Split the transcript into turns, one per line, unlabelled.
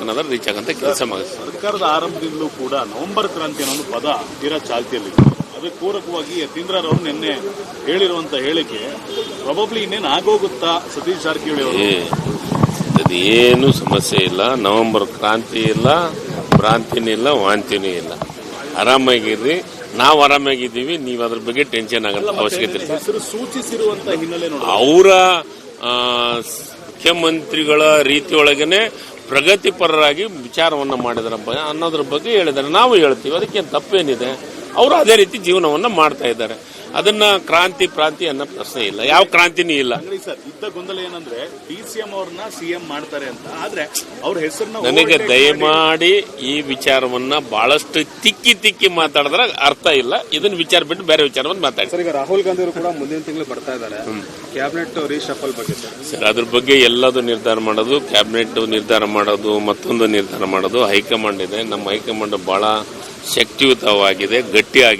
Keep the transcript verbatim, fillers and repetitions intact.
ಅನ್ನೋದ್ರ ರೀಚ್ ಆಗಂತ ಕೆಲಸ ಮಾಡುತ್ತೆ.
ಸರ್ಕಾರದ ಆರಂಭದಿಂದಲೂ ಕೂಡ ನವೆಂಬರ್ ಕ್ರಾಂತಿ ಅನ್ನೋ ಪದ ತೀರಾ ಚಾಲ್ತಿಯಲ್ಲಿ, ಅದಕ್ಕೆ ಪೂರಕವಾಗಿ ಯತೀಂದ್ರರವರು ನಿನ್ನೆ ಹೇಳಿರುವಂತ ಹೇಳಿಕೆ ಪ್ರಾಬಬ್ಲಿ ಇನ್ನೇನು ಆಗೋಗುತ್ತಾ ಸತೀಶ್ ಜಾರಕಿಹೊಳಿ ಅವರು?
ಏನು ಸಮಸ್ಯೆ ಇಲ್ಲ, ನವೆಂಬರ್ ಕ್ರಾಂತಿ ಇಲ್ಲ, ಭ್ರಾಂತಿನೂ ಇಲ್ಲ, ವಾಂತಿನೂ ಇಲ್ಲ. ಆರಾಮಾಗಿರ್ರಿ, ನಾವು ಆರಾಮಾಗಿದ್ದೀವಿ. ನೀವು ಅದ್ರ ಬಗ್ಗೆ ಟೆನ್ಷನ್ ಆಗಲ್ಲ ಅವಶ್ಯಕತೆ ಇಲ್ಲ.
ಸೂಚಿಸಿರುವಂತ ಹಿನ್ನೆಲೆ
ಅವರ ಮುಖ್ಯಮಂತ್ರಿಗಳ ರೀತಿಯೊಳಗನೆ ಪ್ರಗತಿಪರರಾಗಿ ವಿಚಾರವನ್ನ ಮಾಡಿದ್ರಪ್ಪ ಅನ್ನೋದ್ರ ಬಗ್ಗೆ ಹೇಳಿದ್ದಾರೆ. ನಾವು ಹೇಳ್ತೀವಿ, ಅದಕ್ಕೇನು ತಪ್ಪೇನಿದೆ. ಅವರು ಅದೇ ರೀತಿ ಜೀವನವನ್ನ ಮಾಡ್ತಾ ಇದ್ದಾರೆ. ಅದನ್ನ ಕ್ರಾಂತಿ ಪ್ರಾಂತಿ ಅನ್ನೋ ಪ್ರಶ್ನೆ ಇಲ್ಲ, ಯಾವ ಕ್ರಾಂತಿನೂ ಇಲ್ಲ.
ಸರ್, ಇದ್ದ ಗೊಂದಲ ಏನಂದ್ರೆ ಡಿಸಿಎಂ ಅವ್ರನ್ನ ಸಿಎಂ ಮಾಡ್ತಾರೆ ಅಂತ, ಆದ್ರೆ ಅವ್ರ ಹೆಸರನ್ನ
ನನಗೆ ದಯಮಾಡಿ ಈ ವಿಚಾರವನ್ನ ಬಹಳಷ್ಟು ತಿಕ್ಕಿ ತಿಕ್ಕಿ ಮಾತಾಡಿದ್ರೆ ಅರ್ಥ ಇಲ್ಲ. ಇದನ್ನ ವಿಚಾರ ಬಿಟ್ಟು ಬೇರೆ ವಿಚಾರವನ್ನು ಮಾತಾಡಿ.
ಸರ್, ಈಗ ರಾಹುಲ್ ಗಾಂಧಿ ಅವರು ಕೂಡ ಮುಂದಿನ ತಿಂಗಳು ಬರ್ತಾ ಇದ್ದಾರೆ. ಕ್ಯಾಬಿನೆಟ್ ರೀಶಫಲ್ ಬಗ್ಗೆ
ಸರ್, ಅದ್ರ ಬಗ್ಗೆ ಎಲ್ಲದೂ ನಿರ್ಧಾರ ಮಾಡೋದು, ಕ್ಯಾಬಿನೆಟ್ ನಿರ್ಧಾರ ಮಾಡೋದು, ಮತ್ತೊಂದು ನಿರ್ಧಾರ ಮಾಡೋದು ಹೈಕಮಾಂಡ್ ಇದೆ. ನಮ್ಮ ಹೈಕಮಾಂಡ್ ಬಹಳ ಶಕ್ತಿಯುತವಾಗಿದೆ, ಗಟ್ಟಿಯಾಗಿದೆ.